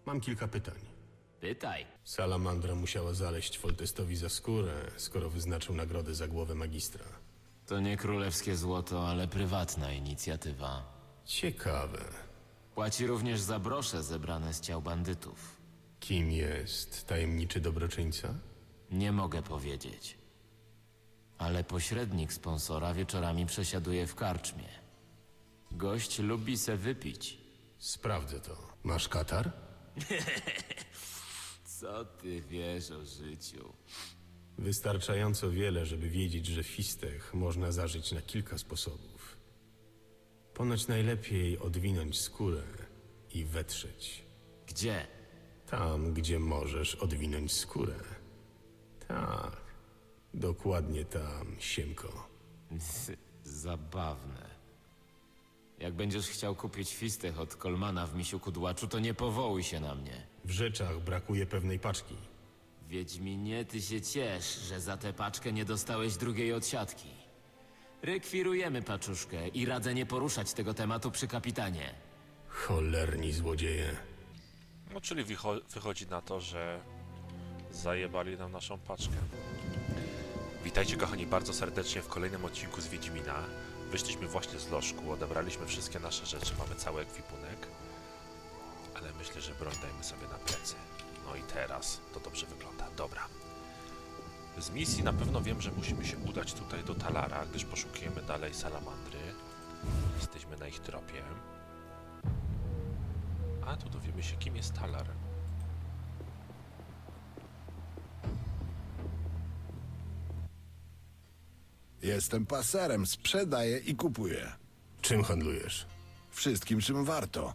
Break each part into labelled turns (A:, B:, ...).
A: Mam kilka pytań.
B: Pytaj.
A: Salamandra musiała zaleść Foltestowi za skórę, skoro wyznaczył nagrodę za głowę magistra.
B: To nie królewskie złoto, ale prywatna inicjatywa.
A: Ciekawe.
B: Płaci również za brosze zebrane z ciał bandytów.
A: Kim jest tajemniczy dobroczyńca?
B: Nie mogę powiedzieć. Ale pośrednik sponsora wieczorami przesiaduje w karczmie. Gość lubi se wypić.
A: Sprawdzę to. Masz katar?
B: Co ty wiesz o życiu?
A: Wystarczająco wiele, żeby wiedzieć, że fistech można zażyć na kilka sposobów. Ponoć najlepiej odwinąć skórę i wetrzeć.
B: Gdzie?
A: Tam, gdzie możesz odwinąć skórę. Tak, dokładnie tam, Siemko.
B: Zabawne. Jak będziesz chciał kupić fistech od Kolmana w Misiu Kudłaczu, to nie powołuj się na mnie.
A: W rzeczach brakuje pewnej paczki.
B: Wiedźminie, ty się ciesz, że za tę paczkę nie dostałeś drugiej odsiadki. Rekwirujemy paczuszkę i radzę nie poruszać tego tematu przy kapitanie.
A: Cholerni złodzieje.
C: No, czyli wychodzi na to, że zajebali nam naszą paczkę. Witajcie kochani bardzo serdecznie w kolejnym odcinku z Wiedźmina. Wyszliśmy właśnie z lożku, odebraliśmy wszystkie nasze rzeczy, mamy cały ekwipunek. Ale myślę, że broń dajmy sobie na plecy. No i teraz to dobrze wygląda. Dobra. Z misji na pewno wiem, że musimy się udać tutaj do Talara, gdyż poszukujemy dalej salamandry. Jesteśmy na ich tropie. A tu dowiemy się, kim jest Talar.
D: Jestem paserem, sprzedaję i kupuję.
A: Czym handlujesz?
D: Wszystkim, czym warto.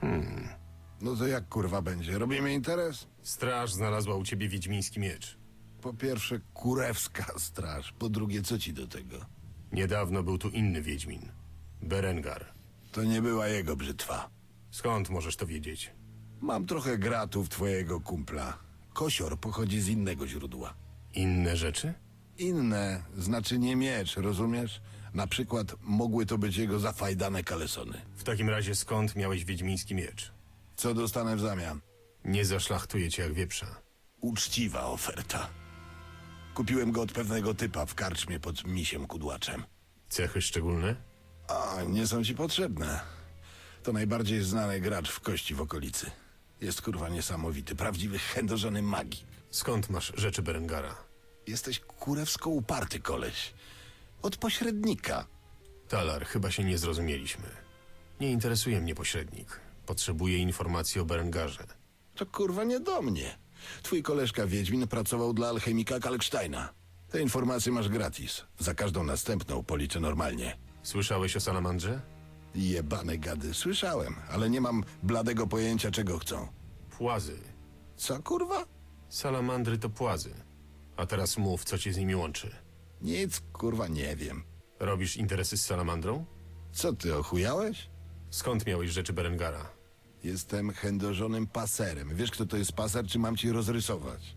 D: No to jak kurwa będzie? Robimy interes?
A: Straż znalazła u ciebie wiedźmiński miecz.
D: Po pierwsze, kurewska straż. Po drugie, co ci do tego?
A: Niedawno był tu inny wiedźmin. Berengar.
D: To nie była jego brzytwa.
A: Skąd możesz to wiedzieć?
D: Mam trochę gratów twojego kumpla. Kosior pochodzi z innego źródła.
A: Inne rzeczy?
D: Inne, znaczy nie miecz, rozumiesz? Na przykład mogły to być jego zafajdane kalesony.
A: W takim razie skąd miałeś wiedźmiński miecz?
D: Co dostanę w zamian?
A: Nie zaszlachtuję cię jak wieprza.
D: Uczciwa oferta. Kupiłem go od pewnego typa w karczmie pod Misiem Kudłaczem.
A: Cechy szczególne?
D: A, nie są ci potrzebne. To najbardziej znany gracz w kości w okolicy. Jest kurwa niesamowity, prawdziwy chędożony magii.
A: Skąd masz rzeczy Berengara?
D: Jesteś kurewsko uparty koleś. Od pośrednika.
A: Talar, chyba się nie zrozumieliśmy. Nie interesuje mnie pośrednik. Potrzebuję informacji o Berengarze.
D: To kurwa nie do mnie. Twój koleżka Wiedźmin pracował dla alchemika Kalksteina. Te informacje masz gratis. Za każdą następną policzę normalnie.
A: Słyszałeś o Salamandrze?
D: Jebane gady, słyszałem, ale nie mam bladego pojęcia czego chcą.
A: Płazy.
D: Co kurwa?
A: Salamandry to płazy. A teraz mów, co cię z nimi łączy.
D: Nic kurwa nie wiem.
A: Robisz interesy z Salamandrą?
D: Co ty ochujałeś?
A: Skąd miałeś rzeczy Berengara?
D: Jestem chędożonym paserem. Wiesz, kto to jest paser, czy mam ci rozrysować?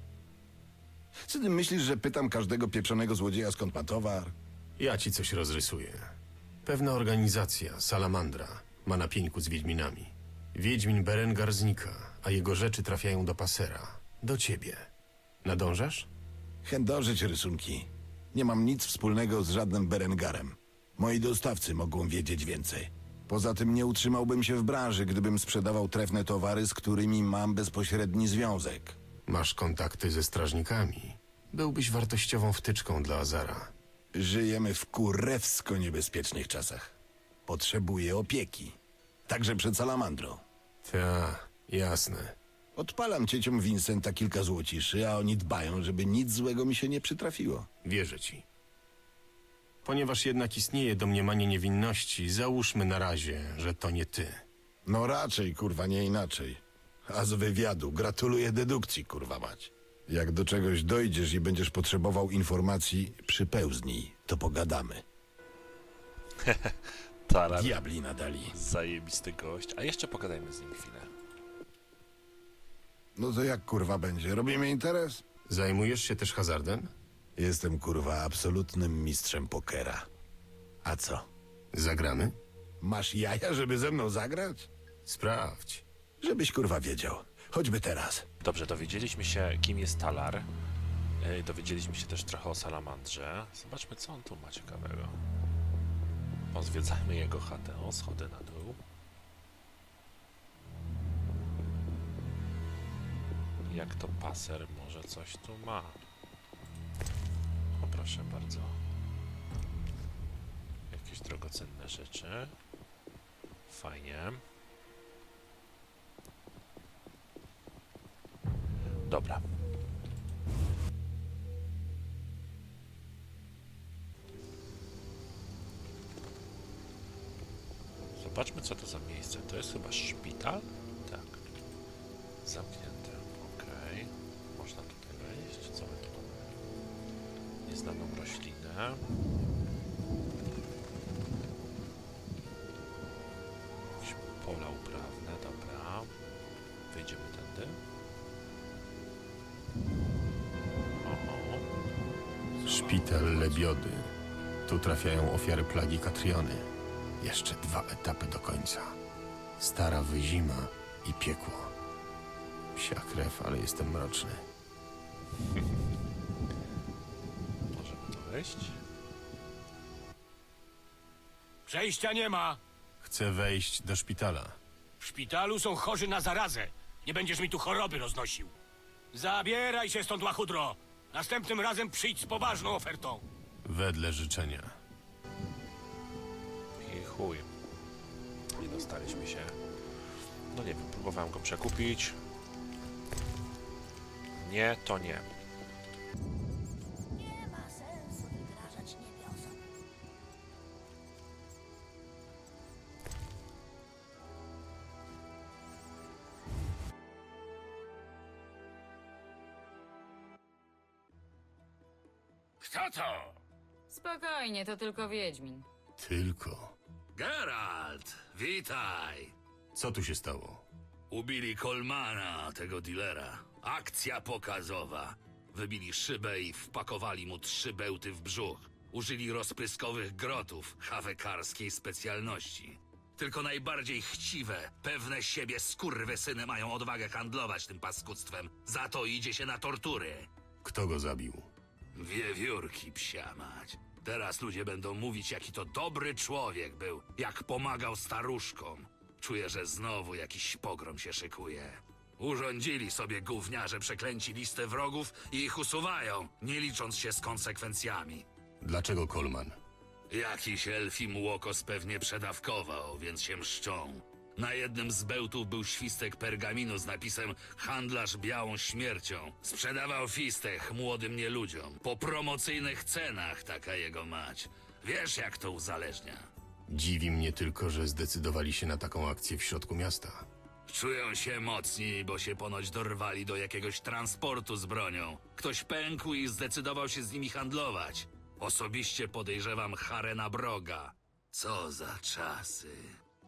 D: Co ty myślisz, że pytam każdego pieprzonego złodzieja, skąd ma towar?
A: Ja ci coś rozrysuję. Pewna organizacja, Salamandra, ma na pieńku z Wiedźminami. Wiedźmin Berengar znika, a jego rzeczy trafiają do pasera. Do ciebie. Nadążasz?
D: Chędożyć rysunki. Nie mam nic wspólnego z żadnym Berengarem. Moi dostawcy mogą wiedzieć więcej. Poza tym nie utrzymałbym się w branży, gdybym sprzedawał trefne towary, z którymi mam bezpośredni związek.
A: Masz kontakty ze strażnikami. Byłbyś wartościową wtyczką dla Azara.
D: Żyjemy w kurewsko niebezpiecznych czasach. Potrzebuję opieki. Także przed salamandrą.
A: Ta, jasne.
D: Odpalam cieciom Vincenta kilka złociszy, a oni dbają, żeby nic złego mi się nie przytrafiło.
A: Wierzę ci. Ponieważ jednak istnieje domniemanie niewinności, załóżmy na razie, że to nie ty.
D: No raczej, kurwa, nie inaczej. A z wywiadu gratuluję dedukcji, kurwa mać. Jak do czegoś dojdziesz i będziesz potrzebował informacji, przypełznij, to pogadamy.
C: Talar,
D: Diabli nadali.
C: zajebisty gość. A jeszcze pogadajmy z nim chwilę.
D: No to jak kurwa będzie? Robimy interes?
A: Zajmujesz się też hazardem?
D: Jestem kurwa absolutnym mistrzem pokera. A co?
A: Zagramy?
D: Masz jaja, żeby ze mną zagrać?
A: Sprawdź.
D: Żebyś kurwa wiedział. Choćby teraz.
C: Dobrze, dowiedzieliśmy się, kim jest Talar. Dowiedzieliśmy się też trochę o Salamandrze. Zobaczmy, co on tu ma ciekawego. Pozwiedzajmy jego chatę. O, schody na dół. Jak to paser może coś tu ma? O, proszę bardzo. Jakieś drogocenne rzeczy. Fajnie. Dobra. Zobaczmy, co to za miejsce. To jest chyba szpital? Tak. Zamknięte. Okej. Można tutaj wejść. Co my tu mamy? Nieznaną roślinę. Jakieś pola uprawne. Dobra. Wejdziemy tędy. Oho.
A: Szpital Lebiody. Tu trafiają ofiary plagi Katriony. Jeszcze 2 etapy do końca. Stara wyzima i piekło. Psia krew, ale jestem mroczny.
C: Możemy tu wejść.
E: Przejścia nie ma.
A: Chcę wejść do szpitala.
E: W szpitalu są chorzy na zarazę. Nie będziesz mi tu choroby roznosił. Zabieraj się stąd, łachudro. Następnym razem przyjdź z poważną ofertą.
A: Wedle życzenia.
C: I chuj. Nie dostaliśmy się. No nie wiem, próbowałem go przekupić. Nie, to nie.
F: Nie ma sensu wygrażać niebiosom.
E: Kto to?
G: Spokojnie, to tylko Wiedźmin.
A: Tylko.
H: Geralt, witaj.
A: Co tu się stało?
H: Ubili Kolmana, tego dealera. Akcja pokazowa. Wybili szybę i wpakowali mu 3 bełty w brzuch. Użyli rozpryskowych grotów, hawekarskiej specjalności. Tylko najbardziej chciwe, pewne siebie skurwysyny mają odwagę handlować tym paskudztwem. Za to idzie się na tortury.
A: Kto go zabił?
H: Wiewiórki, psia mać. Teraz ludzie będą mówić, jaki to dobry człowiek był, jak pomagał staruszkom. Czuję, że znowu jakiś pogrom się szykuje. Urządzili sobie gówniarze przeklęci listę wrogów i ich usuwają, nie licząc się z konsekwencjami.
A: Dlaczego Kolman?
H: Jakiś elfim łokos pewnie przedawkował, więc się mszczą. Na jednym z bełtów był świstek pergaminu z napisem „Handlarz białą śmiercią”. Sprzedawał fistech młodym nieludziom. Po promocyjnych cenach, taka jego mać. Wiesz, jak to uzależnia.
A: Dziwi mnie tylko, że zdecydowali się na taką akcję w środku miasta.
H: Czują się mocni, bo się ponoć dorwali do jakiegoś transportu z bronią. Ktoś pękł i zdecydował się z nimi handlować. Osobiście podejrzewam Harena Broga. Co za czasy.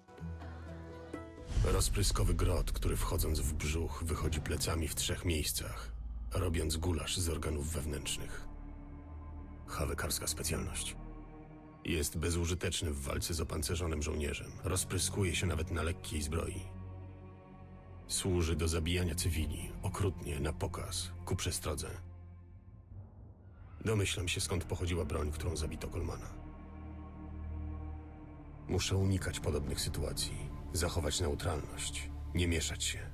A: Rozpryskowy grot, który wchodząc w brzuch wychodzi plecami w 3 miejscach, robiąc gulasz z organów wewnętrznych. Hawekarska specjalność. Jest bezużyteczny w walce z opancerzonym żołnierzem. Rozpryskuje się nawet na lekkiej zbroi. Służy do zabijania cywili, okrutnie, na pokaz, ku przestrodze. Domyślam się, skąd pochodziła broń, którą zabito Kolmana. Muszę unikać podobnych sytuacji, zachować neutralność, nie mieszać się.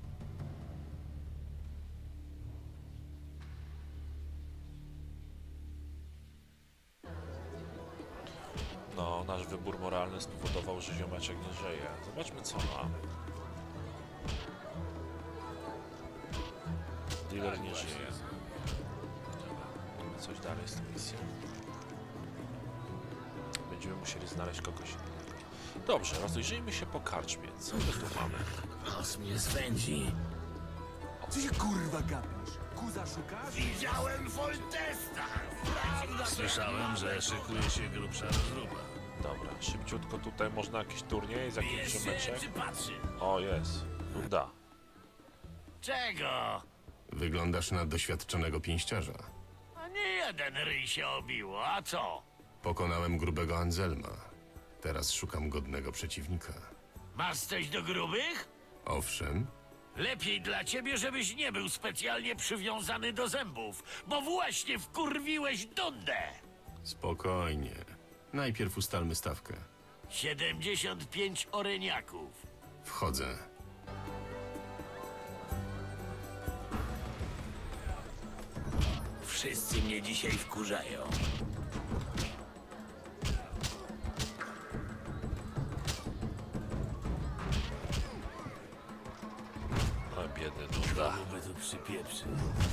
C: No, nasz wybór moralny spowodował, że ziomeczek nie żyje. Zobaczmy, co ma. Dealer nie żyje. Mamy coś dalej z tą misją. Będziemy musieli znaleźć kogoś innego. Dobrze, rozejrzyjmy się po karczmie. Co my tu mamy?
H: Nos mnie swędzi.
I: Co się kurwa gapisz? Kuza szukasz?
H: Widziałem Foltesta! Słyszałem, że szykuje się grubsza rozruba.
C: Dobra, szybciutko tutaj można jakiś turniej z jakimś ziomeczek.
H: patrzy?
C: O, jest. Uda.
E: Czego?
A: Wyglądasz na doświadczonego pięściarza.
E: A nie jeden ryj się obiło, a co?
A: Pokonałem grubego Anselma. Teraz szukam godnego przeciwnika.
E: Masz coś do grubych?
A: Owszem,
E: Lepiej dla ciebie, żebyś nie był specjalnie przywiązany do zębów, bo właśnie wkurwiłeś Dondę.
A: Spokojnie. Najpierw ustalmy stawkę.
E: 75 oreniaków.
A: Wchodzę.
E: Wszyscy mnie dzisiaj wkurzają.
C: O, biedny Dunda.
E: By tu przypieprzy.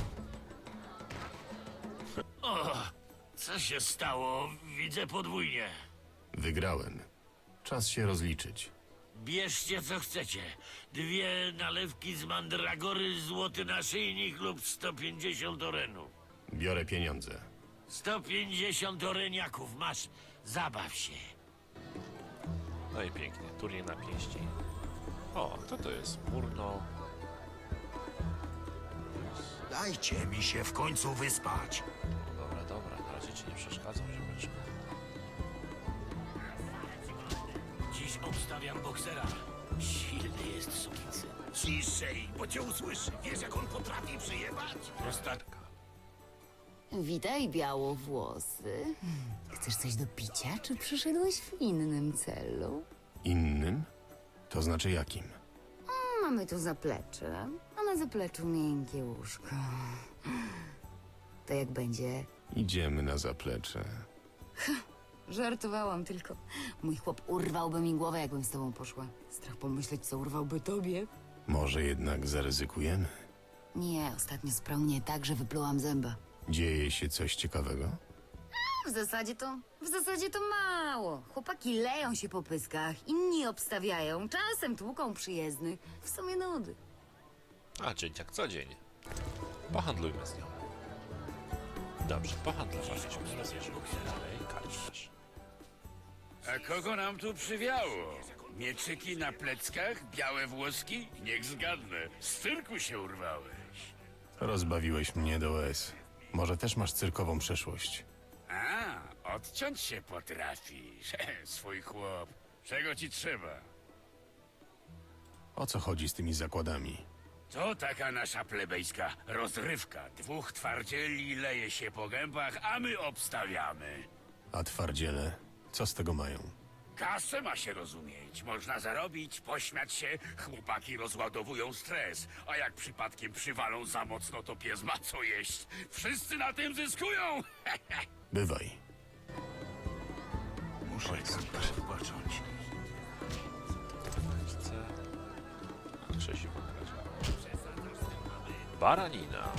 E: O, co się stało? Widzę podwójnie.
A: Wygrałem. Czas się rozliczyć.
E: Bierzcie co chcecie. 2 nalewki z mandragory, złoty naszyjnik lub 150 orenów.
A: Biorę pieniądze.
E: 150 oreniaków masz. Zabaw się.
C: No i pięknie, turniej na pięści. O, kto to jest? Murno.
E: Dajcie mi się w końcu wyspać.
C: Dobra, dobra, na razie ci nie przeszkadzam, ziomeczku.
E: Dziś obstawiam boksera. Silny jest sukinsyn. Ciszej, bo cię usłyszy. Wiesz, jak on potrafi przyjebać? Prostatka.
J: Witaj, białowłosy. Chcesz coś do picia, czy przyszedłeś w innym celu?
A: Innym? To znaczy jakim?
J: Mamy tu zaplecze, a na zapleczu miękkie łóżko. To jak będzie?
A: Idziemy na zaplecze.
J: Żartowałam tylko. Mój chłop urwałby mi głowę, jakbym z tobą poszła. Strach pomyśleć, co urwałby tobie.
A: Może jednak zaryzykujemy?
J: Nie, ostatnio sprał mnie tak, że wyplułam zęba.
A: Dzieje się coś ciekawego?
J: W zasadzie to mało. Chłopaki leją się po pyskach, inni obstawiają, czasem tłuką przyjezdnych. W sumie nudy.
C: A, dzień jak co dzień. Pohandlujmy z nią. Dobrze, pohandlowaliśmy. Rozbierzmy dalej, karczesz.
K: A kogo nam tu przywiało? Mieczyki na pleckach? Białe włoski? Niech zgadnę. Z cyrku się urwałeś.
A: Rozbawiłeś mnie do łez. Może też masz cyrkową przeszłość.
K: A, odciąć się potrafisz. Swój chłop. Czego ci trzeba?
A: O co chodzi z tymi zakładami?
K: To taka nasza plebejska rozrywka. 2 twardzieli leje się po gębach, a my obstawiamy.
A: A twardziele? Co z tego mają?
K: Kasę ma się rozumieć. Można zarobić, pośmiać się, chłopaki rozładowują stres. A jak przypadkiem przywalą za mocno, to pies ma co jeść. Wszyscy na tym zyskują!
A: Bywaj.
K: Muszę odpocząć.
C: Chcę... Krzesiu nagrać. Baranina.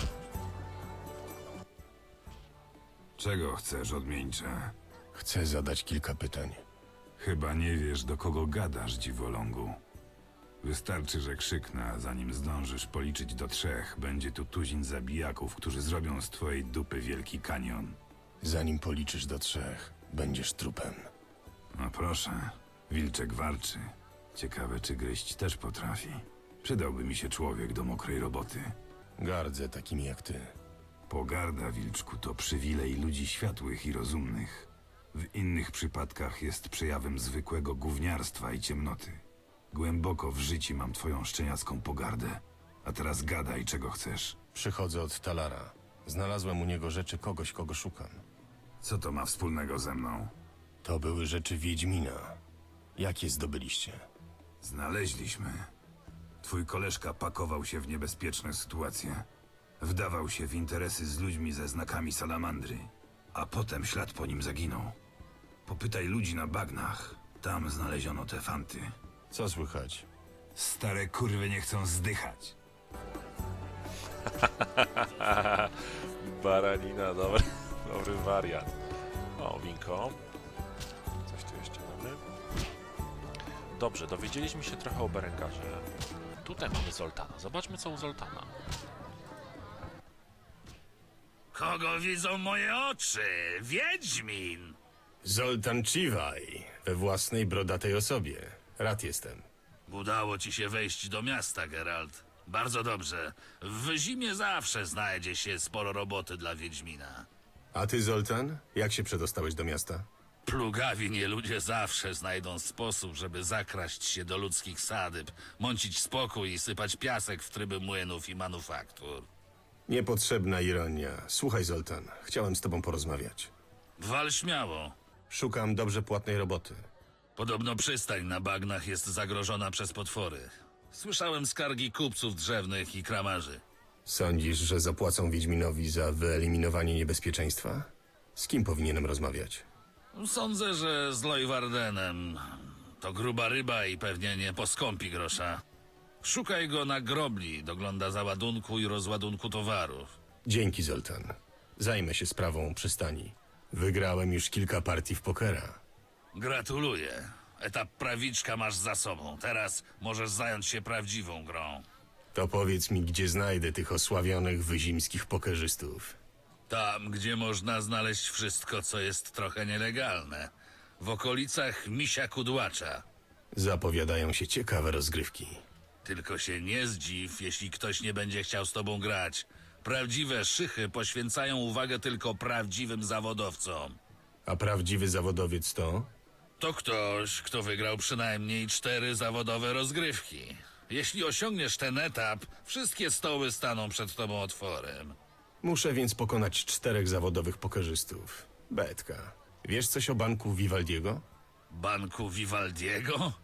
L: Czego chcesz, odmieńcze?
A: Chcę zadać kilka pytań.
L: Chyba nie wiesz, do kogo gadasz, dziwolągu. Wystarczy, że krzyknę, a zanim zdążysz policzyć do 3, będzie tu tuzin zabijaków, którzy zrobią z twojej dupy wielki kanion.
A: Zanim policzysz do 3, będziesz trupem.
L: No proszę, wilczek warczy. Ciekawe, czy gryźć też potrafi. Przydałby mi się człowiek do mokrej roboty.
A: Gardzę takimi jak ty.
L: Pogarda, wilczku, to przywilej ludzi światłych i rozumnych. W innych przypadkach jest przejawem zwykłego gówniarstwa i ciemnoty. Głęboko w życiu mam twoją szczeniacką pogardę. A teraz gadaj, czego chcesz.
A: Przychodzę od Talara. Znalazłem u niego rzeczy kogoś, kogo szukam.
L: Co to ma wspólnego ze mną?
A: To były rzeczy Wiedźmina. Jak je zdobyliście?
L: Znaleźliśmy. Twój koleżka pakował się w niebezpieczne sytuacje. Wdawał się w interesy z ludźmi ze znakami salamandry. A potem ślad po nim zaginął. Popytaj ludzi na bagnach. Tam znaleziono te fanty.
A: Co słychać?
L: Stare kurwy nie chcą zdychać.
C: Baranina, dobry wariant. O, winko. Coś tu jeszcze mamy. Dobrze, dowiedzieliśmy się trochę o Berengarze. Tutaj mamy Zoltana. Zobaczmy, co u Zoltana.
K: Kogo widzą moje oczy? Wiedźmin!
A: Zoltan Chivaj, we własnej brodatej osobie. Rad jestem.
K: Udało ci się wejść do miasta, Geralt. Bardzo dobrze. W zimie zawsze znajdzie się sporo roboty dla Wiedźmina.
A: A ty, Zoltan? Jak się przedostałeś do miasta?
H: Plugawi nie ludzie zawsze znajdą sposób, żeby zakraść się do ludzkich sadyb, mącić spokój i sypać piasek w tryby młynów i manufaktur.
A: Niepotrzebna ironia. Słuchaj, Zoltan, chciałem z tobą porozmawiać.
H: Wal śmiało.
A: Szukam dobrze płatnej roboty.
H: Podobno przystań na bagnach jest zagrożona przez potwory. Słyszałem skargi kupców drzewnych i kramarzy.
A: Sądzisz, że zapłacą Wiedźminowi za wyeliminowanie niebezpieczeństwa? Z kim powinienem rozmawiać?
H: Sądzę, że z Lojwardenem. To gruba ryba i pewnie nie poskąpi grosza. Szukaj go na grobli, dogląda załadunku i rozładunku towarów.
A: Dzięki, Zoltan. Zajmę się sprawą przystani. Wygrałem już kilka partii w pokera.
H: Gratuluję. Etap prawiczka masz za sobą. Teraz możesz zająć się prawdziwą grą.
A: To powiedz mi, gdzie znajdę tych osławionych wyzimskich pokerzystów.
H: Tam, gdzie można znaleźć wszystko, co jest trochę nielegalne. W okolicach Misia Kudłacza.
A: Zapowiadają się ciekawe rozgrywki.
H: Tylko się nie zdziw, jeśli ktoś nie będzie chciał z tobą grać. Prawdziwe szychy poświęcają uwagę tylko prawdziwym zawodowcom.
A: A prawdziwy zawodowiec to?
H: To ktoś, kto wygrał przynajmniej 4 zawodowe rozgrywki. Jeśli osiągniesz ten etap, wszystkie stoły staną przed tobą otworem.
A: Muszę więc pokonać 4 zawodowych pokerzystów. Betka. Wiesz coś o banku Vivaldiego?
H: Banku Vivaldiego?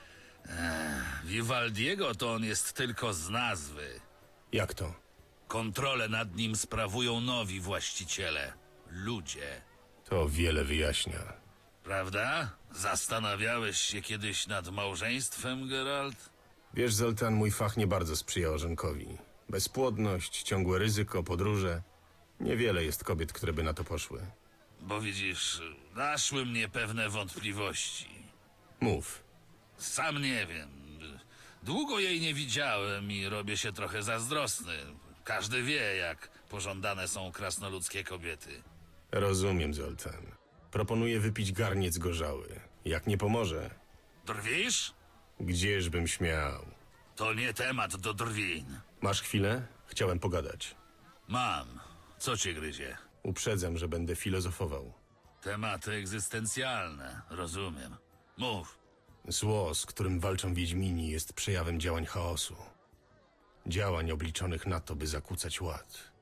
H: Vivaldiego to on jest tylko z nazwy.
A: Jak to?
H: Kontrolę nad nim sprawują nowi właściciele. Ludzie.
A: To wiele wyjaśnia.
H: Prawda? Zastanawiałeś się kiedyś nad małżeństwem, Geralt?
A: Wiesz, Zoltan, mój fach nie bardzo sprzyja orzenkowi. Bezpłodność, ciągłe ryzyko, podróże. Niewiele jest kobiet, które by na to poszły.
H: Bo widzisz, naszły mnie pewne wątpliwości.
A: Mów.
H: Sam nie wiem. Długo jej nie widziałem i robię się trochę zazdrosny. Każdy wie, jak pożądane są krasnoludzkie kobiety.
A: Rozumiem, Zoltan. Proponuję wypić garniec gorzały. Jak nie pomoże,
H: Drwisz?
A: gdzieżbym śmiał.
H: To nie temat do drwin.
A: Masz chwilę? Chciałem pogadać.
H: Mam. Co cię gryzie?
A: Uprzedzam, że będę filozofował.
H: Tematy egzystencjalne, rozumiem. Mów.
A: Zło, z którym walczą Wiedźmini, jest przejawem działań chaosu. Działań obliczonych na to, by zakłócać ład.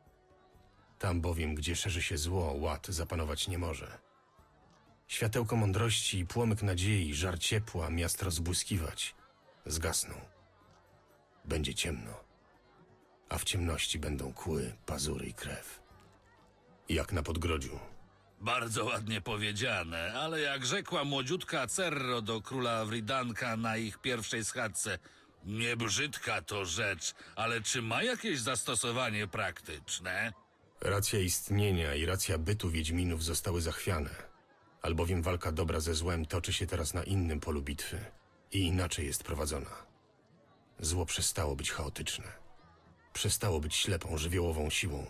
A: Tam bowiem, gdzie szerzy się zło, ład zapanować nie może. Światełko mądrości i płomyk nadziei, żar ciepła, miast rozbłyskiwać, zgasną. Będzie ciemno, a w ciemności będą kły, pazury i krew. Jak na podgrodziu.
H: Bardzo ładnie powiedziane, ale jak rzekła młodziutka Cerro do króla Wridanka na ich pierwszej schadzce, nie brzydka to rzecz, ale czy ma jakieś zastosowanie praktyczne?
A: Racja istnienia i racja bytu Wiedźminów zostały zachwiane, albowiem walka dobra ze złem toczy się teraz na innym polu bitwy i inaczej jest prowadzona. Zło przestało być chaotyczne. Przestało być ślepą, żywiołową siłą.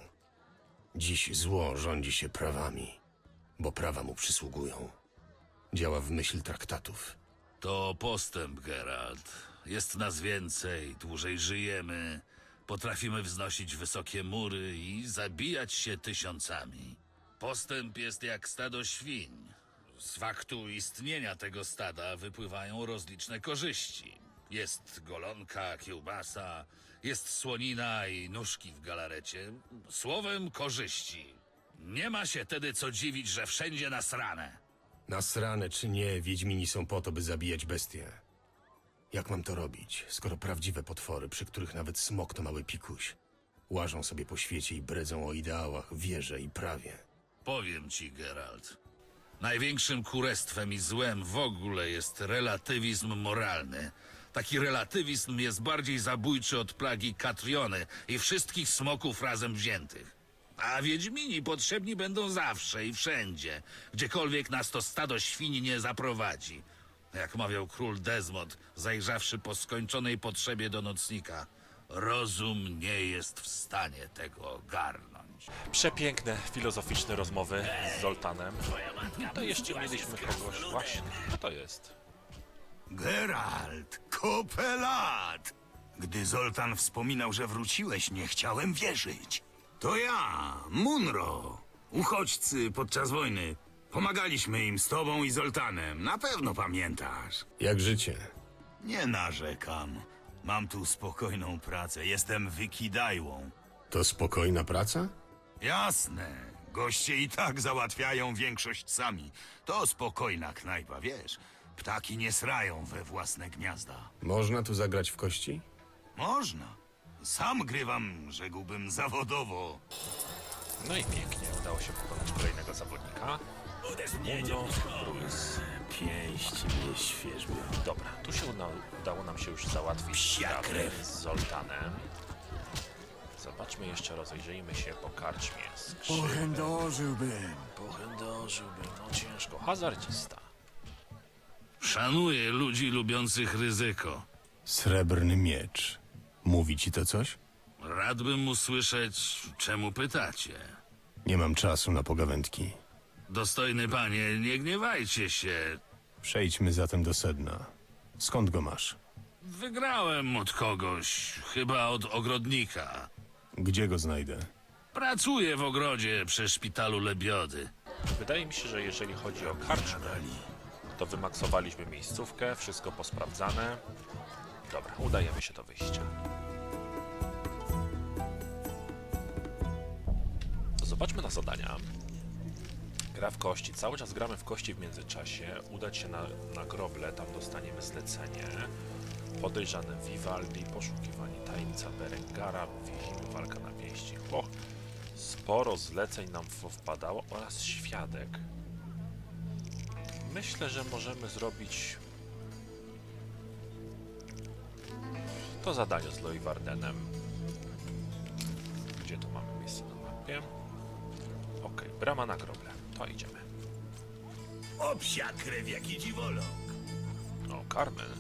A: Dziś zło rządzi się prawami, bo prawa mu przysługują. Działa w myśl traktatów.
H: To postęp, Geralt. Jest nas więcej, dłużej żyjemy, potrafimy wznosić wysokie mury i zabijać się tysiącami. Postęp jest jak stado świń. Z faktu istnienia tego stada wypływają rozliczne korzyści. Jest golonka, kiełbasa, jest słonina i nóżki w galarecie. Słowem korzyści. Nie ma się tedy co dziwić, że wszędzie nasrane.
A: Nasrane czy nie, Wiedźmini są po to, by zabijać bestie. Jak mam to robić, skoro prawdziwe potwory, przy których nawet smok to mały pikuś, łażą sobie po świecie i bredzą o ideałach, wierze i prawie?
H: Powiem ci, Geralt. Największym kurestwem i złem w ogóle jest relatywizm moralny. Taki relatywizm jest bardziej zabójczy od plagi Katriony i wszystkich smoków razem wziętych. A Wiedźmini potrzebni będą zawsze i wszędzie, gdziekolwiek nas to stado świń nie zaprowadzi. Jak mawiał król Desmond, zajrzawszy po skończonej potrzebie do nocnika, rozum nie jest w stanie tego ogarnąć.
C: Przepiękne, filozoficzne rozmowy z Zoltanem. To jeszcze mieliśmy kogoś właśnie. Kto to jest?
E: Geralt, kupę lat! Gdy Zoltan wspominał, że wróciłeś, nie chciałem wierzyć. To ja, Munro. Uchodźcy podczas wojny. Pomagaliśmy im z tobą i Zoltanem. Na pewno pamiętasz.
A: Jak życie?
E: Nie narzekam. Mam tu spokojną pracę. Jestem wykidajłą.
A: To spokojna praca?
E: Jasne. Goście i tak załatwiają większość sami. To spokojna knajpa, wiesz. Ptaki nie srają we własne gniazda.
A: Można tu zagrać w kości?
E: Można. Sam grywam, rzekłbym, zawodowo.
C: No i pięknie, udało się pokonać kolejnego zawodnika. Munro, Ruiz.
E: Pięść mnie świeżbią.
C: Dobra, tu się udało nam się już załatwić sprawę z Zoltanem. Zobaczmy jeszcze, rozejrzyjmy się po karczmie.
I: Pochędożyłbym.
C: No ciężko. Hazardzista.
H: Szanuję ludzi lubiących ryzyko.
A: Srebrny miecz. Mówi ci to coś?
H: Radbym usłyszeć, czemu pytacie.
A: Nie mam czasu na pogawędki.
H: Dostojny panie, nie gniewajcie się.
A: Przejdźmy zatem do sedna. Skąd go masz?
H: Wygrałem od kogoś, chyba od ogrodnika.
A: Gdzie go znajdę?
H: Pracuję w ogrodzie przy szpitalu Lebiody.
C: Wydaje mi się, że jeżeli chodzi o karczmę, to wymaksowaliśmy miejscówkę, wszystko posprawdzane. Dobra, udajemy się do wyjścia. Zobaczmy na zadania. Gra w kości. Cały czas gramy w kości w międzyczasie. Udać się na groble, tam dostaniemy zlecenie. Podejrzany Vivaldi, poszukiwanie tajemnica Berengara, więźnimy, walka na pięści. O, sporo zleceń nam wpadało oraz świadek. Myślę, że możemy zrobić to zadanie z Leuwardenem. Gdzie tu mamy miejsce na mapie? Okej, brama na groble. To idziemy.
E: O psia krew, jaki dziwoląg.
C: O, Carmen.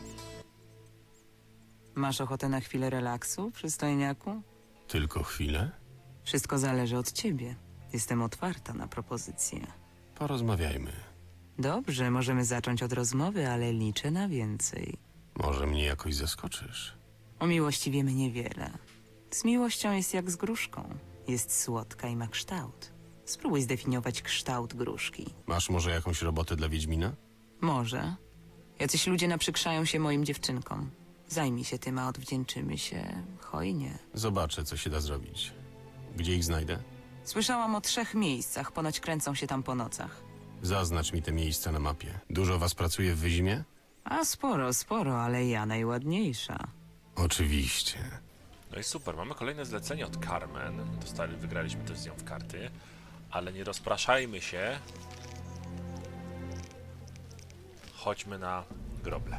M: Masz ochotę na chwilę relaksu, przystojniaku?
A: Tylko chwilę?
M: Wszystko zależy od ciebie. Jestem otwarta na propozycje.
A: Porozmawiajmy.
M: Dobrze, możemy zacząć od rozmowy, ale liczę na więcej.
A: Może mnie jakoś zaskoczysz.
M: O miłości wiemy niewiele. Z miłością jest jak z gruszką. Jest słodka i ma kształt. Spróbuj zdefiniować kształt gruszki.
A: Masz może jakąś robotę dla Wiedźmina?
M: Może. Jacyś ludzie naprzykrzają się moim dziewczynkom. Zajmij się tym, a odwdzięczymy się hojnie.
A: Zobaczę, co się da zrobić. Gdzie ich znajdę?
M: Słyszałam o 3 miejscach, ponoć kręcą się tam po nocach.
A: Zaznacz mi te miejsca na mapie. Dużo was pracuje w Wyzimie?
M: A sporo, ale ja najładniejsza.
A: Oczywiście.
C: No i super, mamy kolejne zlecenie od Carmen. Wygraliśmy też z nią w karty. Ale nie rozpraszajmy się. Chodźmy na groble.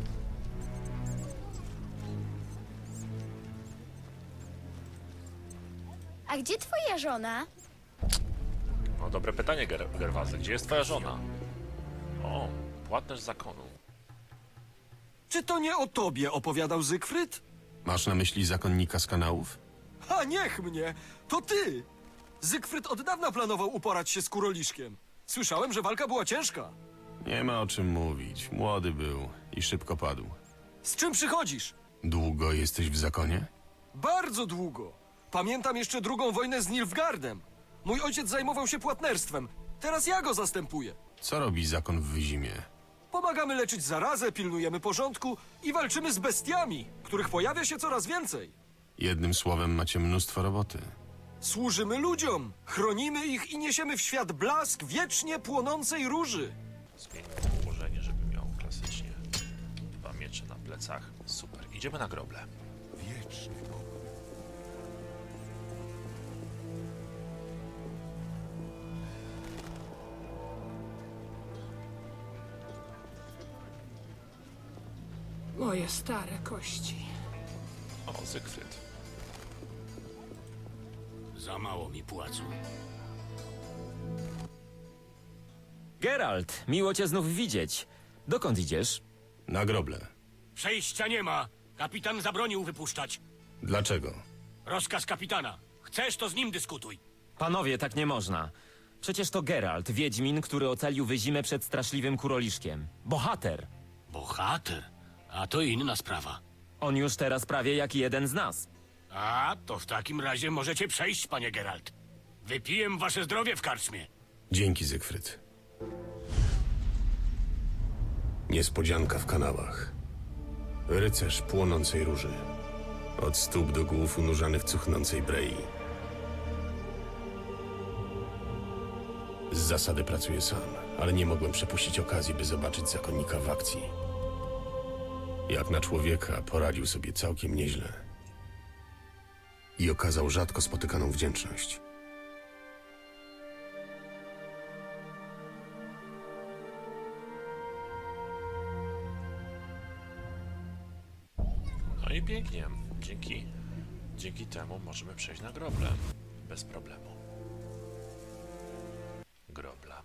F: A gdzie twoja żona?
C: No dobre pytanie, Gerwazy. Gdzie jest twoja żona? O, płatnerz zakonu.
I: Czy to nie o tobie opowiadał Zygfryd?
A: Masz na myśli zakonnika z kanałów?
I: A niech mnie! To ty! Zygfryd od dawna planował uporać się z Kuroliszkiem. Słyszałem, że walka była ciężka.
A: Nie ma o czym mówić. Młody był i szybko padł.
I: Z czym przychodzisz?
A: Długo jesteś w zakonie?
I: Bardzo długo. Pamiętam jeszcze drugą wojnę z Nilfgaardem. Mój ojciec zajmował się płatnerstwem. Teraz ja go zastępuję.
A: Co robi zakon w Wyzimie?
I: Pomagamy leczyć zarazę, pilnujemy porządku i walczymy z bestiami, których pojawia się coraz więcej.
A: Jednym słowem macie mnóstwo roboty.
I: Służymy ludziom, chronimy ich i niesiemy w świat blask wiecznie płonącej róży.
C: Zmieńmy ułożenie, żeby miał klasycznie 2 miecze na plecach. Super, idziemy na groble.
D: Wieczny Bóg.
N: Moje stare kości.
C: O, Zygfryd.
E: Za mało mi płacą.
B: Geralt, miło cię znów widzieć. Dokąd idziesz?
A: Na groble.
K: Przejścia nie ma. Kapitan zabronił wypuszczać.
A: Dlaczego?
K: Rozkaz kapitana. Chcesz, to z nim dyskutuj.
B: Panowie, tak nie można. Przecież to Geralt, wiedźmin, który ocalił Wyzimę przed straszliwym Kuroliszkiem. Bohater.
K: Bohater? A to inna sprawa.
B: On już teraz prawie jak jeden z nas.
K: A, to w takim razie możecie przejść, panie Geralt. Wypiję wasze zdrowie w karczmie.
A: Dzięki, Zygfryd. Niespodzianka w kanałach. Rycerz płonącej róży. Od stóp do głów unurzany w cuchnącej brei. Z zasady pracuję sam, ale nie mogłem przepuścić okazji, by zobaczyć zakonnika w akcji. Jak na człowieka poradził sobie całkiem nieźle. I okazał rzadko spotykaną wdzięczność.
C: No i pięknie. Dzięki temu możemy przejść na groble. Bez problemu. Grobla.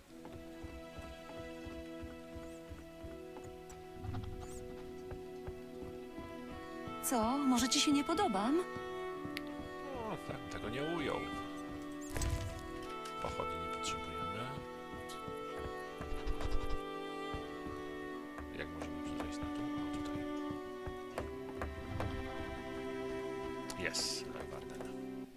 O: Co? Może ci się nie podobam?
C: No, tak, tego nie ujął. Pochodni nie potrzebujemy. Jak możemy przejść na dół? O, tutaj. Jest, Leuwarden.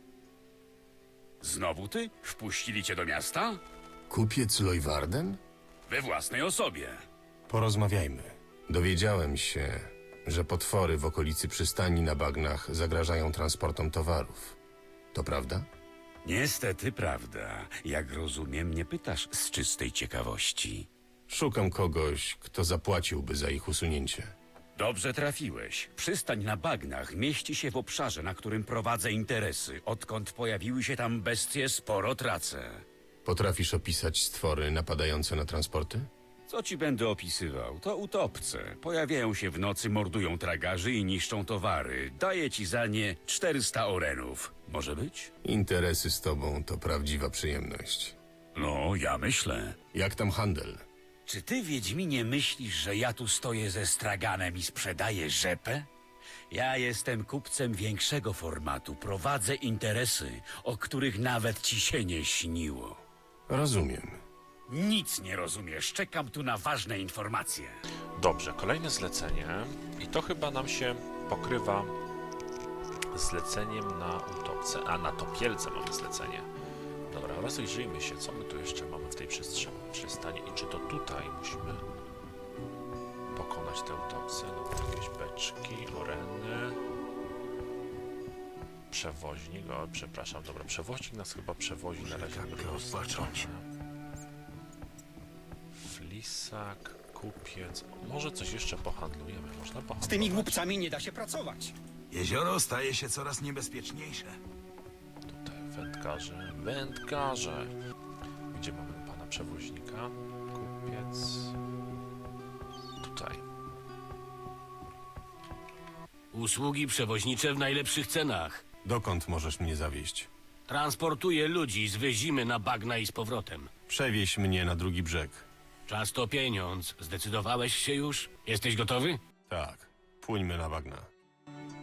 K: Znowu ty? Wpuścili cię do miasta?
A: Kupiec Leuwarden?
K: We własnej osobie.
A: Porozmawiajmy. Dowiedziałem się, że potwory w okolicy przystani na bagnach zagrażają transportom towarów. To prawda?
K: Niestety prawda. Jak rozumiem, nie pytasz z czystej ciekawości.
A: Szukam kogoś, kto zapłaciłby za ich usunięcie.
K: Dobrze trafiłeś. Przystań na bagnach mieści się w obszarze, na którym prowadzę interesy. Odkąd pojawiły się tam bestie, sporo tracę.
A: Potrafisz opisać stwory napadające na transporty?
K: Co ci będę opisywał? To utopce. Pojawiają się w nocy, mordują tragarzy i niszczą towary. Daję ci za nie 400 orenów. Może być?
A: Interesy z tobą to prawdziwa przyjemność.
K: No, ja myślę.
A: Jak tam handel?
K: Czy ty, Wiedźminie, myślisz, że ja tu stoję ze straganem i sprzedaję rzepę? Ja jestem kupcem większego formatu. Prowadzę interesy, o których nawet ci się nie śniło.
A: Rozumiem.
K: Nic nie rozumiesz. Czekam tu na ważne informacje.
C: Dobrze, kolejne zlecenie. I to chyba nam się pokrywa z zleceniem na utopce. A, na topielce mamy zlecenie. Dobra, rozejrzyjmy się, co my tu jeszcze mamy w tej przystani i czy to tutaj musimy pokonać tę utopcę. No, jakieś beczki, oreny. Przewoźnik, o, przepraszam, dobra, przewoźnik nas chyba przewozi na razie. Flisak, kupiec, może coś jeszcze pohandlujemy, można pohandlować.
E: Z tymi głupcami nie da się pracować.
L: Jezioro staje się coraz niebezpieczniejsze.
C: Tutaj wędkarze. Gdzie mamy pana przewoźnika? Kupiec. Tutaj.
E: Usługi przewoźnicze w najlepszych cenach.
A: Dokąd możesz mnie zawieźć?
E: Transportuję ludzi z Wyzimy na bagna i z powrotem.
A: Przewieź mnie na drugi brzeg.
E: Czas to pieniądz. Zdecydowałeś się już? Jesteś gotowy?
A: Tak, płyńmy na bagna.